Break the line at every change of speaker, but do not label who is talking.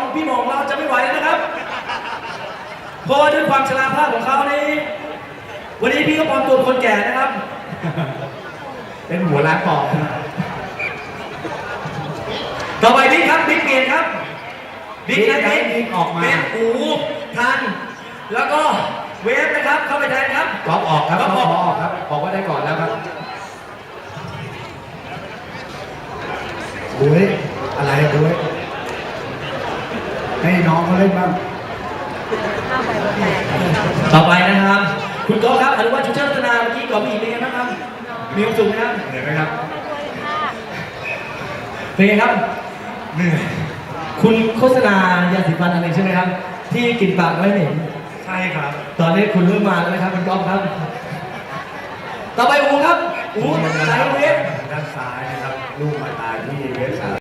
พี่หมองเราจะไม่ไหวแล้วนะครับเพราะว่าด้วยความชราภาพของเขานี่วันนี้พี่ก็ปลอมตัวเป็นคนแก่นะครับ
เป็นหัวล้านปอกนะ
ต่อไปบิ๊กครับบิ๊กเปลี่ยนครับบิ๊กนะบิ๊ก
บิ๊กออกมา
เป็นอูทันแล้วก็เวฟนะครับเข้าไปแทนครับ
ก๊อฟออกครับ
ก๊
ก๊
อ
อ
ฟ
ฟ
ออก
ออกครับบอกว่าได้ก่อนแล้วครับดูอะไรดูให้น้องเขาเล่นบ้าง
ต่อไปนะครับคุณก๊อฟครับอนุวัฒน์ชุเชิดธนาเมื่อกี้ก่อนมีเป็นไงบ้างครับมีความสุขไหมครับ
เหนื่อยไหมครับ
เป็นไงครับ
เหนื่อย
คุณโฆษณายาสีฟันอะไรใช่ไหมครับ ที่กลิ่นปากไม่เหม็น
ใช่ครับ
ตอนนี้คุณเริ่มมาแล้วนะครับคุณก๊อฟครับ ต่อไปอูครับอูสายเวฟ
ด้านซ้ายนะครับลูกมาตายที่เวฟ